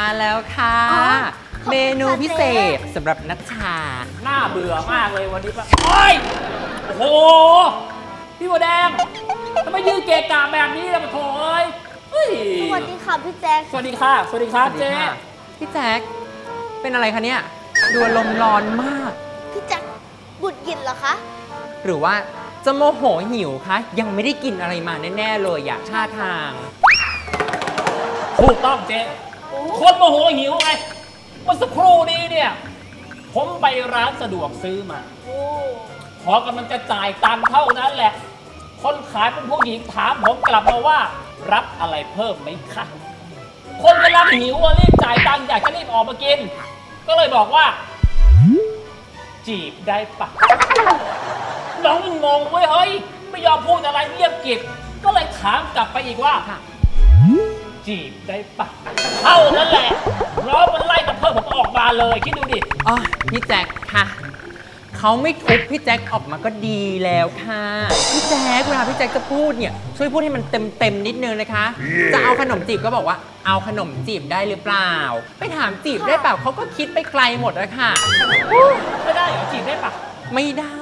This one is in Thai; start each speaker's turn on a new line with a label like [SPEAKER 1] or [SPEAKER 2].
[SPEAKER 1] แล้วค่ะเมนูพิเศษสำหรับนัชชา
[SPEAKER 2] น่าเบื่อมากเลยวันนี้ปะโอ้ยโอ้โหพี่บัวแดงทำไมยืนเกะกะแบบนี้ล่ะปะโถเอ้ย
[SPEAKER 3] สวัสดีค่ะพี่แจ๊ค
[SPEAKER 2] สวัสดีค่ะสวัสดีครับเจ๊
[SPEAKER 1] พี่แจ๊คเป็นอะไรคะเนี่ยดูอารมณ์ร้อนมาก
[SPEAKER 3] พี่แจ๊คบุดหยินเหรอคะ
[SPEAKER 1] หรือว่าจะโมโหหิวคะยังไม่ได้กินอะไรมาแน่ๆเลยอยากท่าทาง
[SPEAKER 2] ถูกต้องเจ๊คนโมโหหิวไงเมื่อสักครู่นี้เนี่ยผมไปร้านสะดวกซื้อมาพอกำลังจะจ่ายตังค์เท่านั้นแหละคนขายเป็นผู้หญิงถามผมกลับมาว่ารับอะไรเพิ่มไหมคะคนกำลังหิวรีบจ่ายตังค์อยากจะรีบออกมากินก็เลยบอกว่าจีบได้ปะน้องงงเว้ยเฮ้ยไม่ยอมพูดอะไรเงียบกริบก็เลยถามกลับไปอีกว่าจีบได้ปะเท่านั้นแหละร้องมันไล่ตะเพิดผมออกมาเลยคิดดูดิ
[SPEAKER 1] อ๋อพี่แจ็คค่ะเขาไม่ทุบพี่แจ็คออกมาก็ดีแล้วค่ะพี่แจ็คเวลาพี่แจ็คจะพูดเนี่ยช่วยพูดให้มันเต็มนิดนึงนะคะจะเอาขนมจีบก็บอกว่าเอาขนมจีบได้หรือเปล่าไปถามจีบได้เปล่าเขาก็คิดไปไกลหมดแล้วค่ะ
[SPEAKER 2] ไม่ได้เหรอจีบได้ปะ
[SPEAKER 1] ไม่ได้